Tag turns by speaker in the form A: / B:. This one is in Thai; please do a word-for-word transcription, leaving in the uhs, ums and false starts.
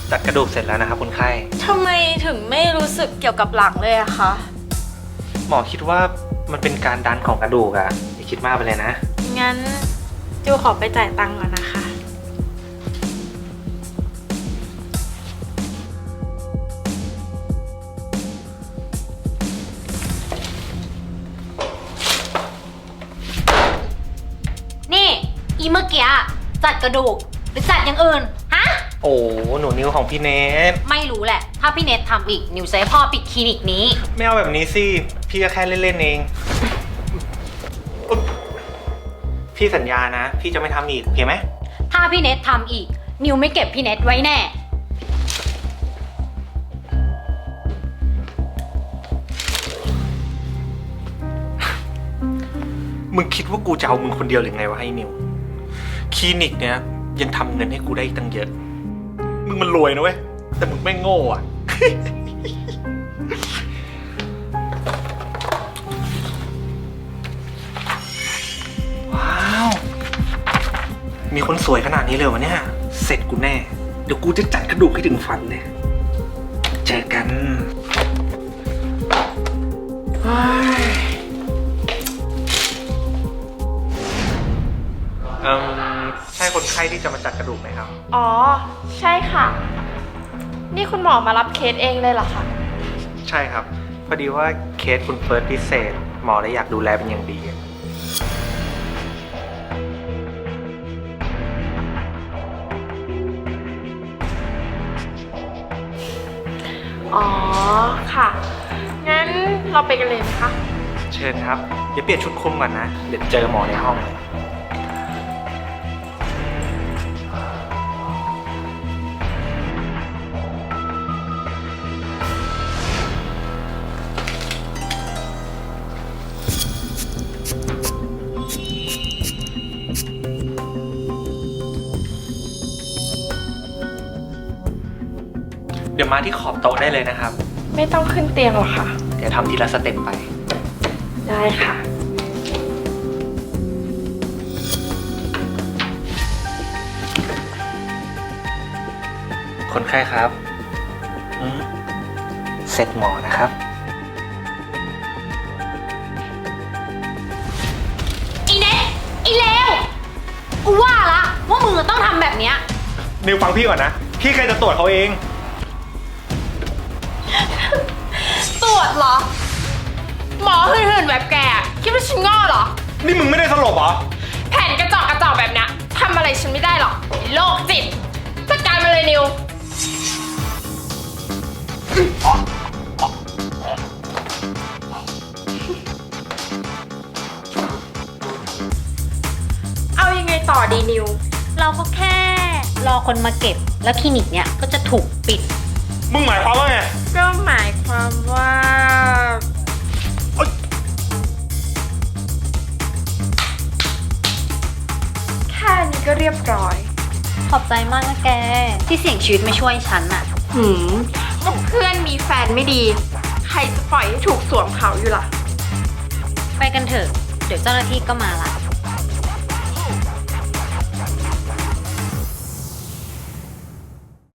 A: จัดกระดูกเสร็จแล้วนะครับคุณไข้
B: ทำไมถึงไม่รู้สึกเกี่ยวกับหลังเลยอะคะ
A: หมอคิดว่ามันเป็นการดันของกระดูกอะอย่าคิดมากไปเลยนะ
B: งั้นจูขอไปจ่ายตังค์ก่อนนะคะ
C: นี่อีเมื่อกี้จัดกระดูกหรือจัดอย่างอื่นฮะ
A: โอ้หนูนิ้วของพี่เนท
C: ไม่รู้แหละถ้าพี่เนททำอีกนิวจะให้พ่อปิดคลินิกนี้
A: ไม่เอาแบบนี้สิพี่ก็แค่เล่นๆเองพี่สัญญานะพี่จะไม่ทำอีกโอเคไหม
C: ถ้าพี่เนททำอีกนิวไม่เก็บพี่เนทไว้แน่
A: มึงคิดว่ากูจะเอามึงคนเดียวหรือไงวะให้นิวคลินิกเนี้ยยังทำเงินให้กูได้อีกตั้งเยอะมึงมันรวยนะเว้ยแต่มึงไม่โง่อะ ว้าวมีคนสวยขนาดนี้เลยวะเนี่ยเสร็จกูแน่เดี๋ยวกูจะจัดกระดูกให้ถึงฟันเลยเจอกันเอ่อใช่คนไข้ที่จะมาจัดกระดูกไหมครับ
B: อ๋อใช่ค่ะนี่คุณหมอมารับเคสเองเลยเหรอคะ
A: ใช่ครับพอดีว่าเคสคุณเฟิร์สพิเศษหมอเลยอยากดูแลเป็นอย่างดี
B: อ๋อค่ะงั้นเราไปกันเลยไหมคะ
A: เชิญครับเดี๋ยวเปลี่ยนชุดคุมก่อนนะเดี๋ยวเจอหมอในห้องเลยเดี๋ยวมาที่ขอบโต๊ะได้เลยนะครับ
B: ไม่ต้องขึ้นเตียงหรอกค่ะ
A: เดี๋ยวทำทีละสเต็ปไป
B: ได้ค่ะ
A: คนไข้ครับเสร็จหมอนะครับ
C: อีเนทอีเลวกูว่าละว่ามึงต้องทำแบบเนี้ย
A: นิวฟังพี่ก่อนนะพี่ใครจะตรวจเขาเอง
B: ตรวจเหรอหมอหื่นๆแบบแกคิดว่าฉันง่อเหรอ
A: นี่มึงไม่ได้สลบเหรอ
B: แผ่นกระจอกกระจอกแบบเนี้ยทำอะไรฉันไม่ได้หรอกโรคจิตจัดการมาเลยนิวเอายังไงต่อดีนิว
C: เราก็แค่รอคนมาเก็บแล้วคลินิกเนี้ยก็จะถูกปิด
A: มึงหมายความว่าไง
B: ก็หมายความว่าแค่นี้ก็เรียบร้อย
C: ขอบใจมากนะแกที่เสี่ยงชีวิตมาช่วยฉันน่ะ
B: หืมก็เพื่อนมีแฟนไม่ดีใครจะปล่อยให้ถูกสวมเขาอยู่ล่ะ
C: ไปกันเถอะเดี๋ยวเจ้าหน้าที่ก็มาละ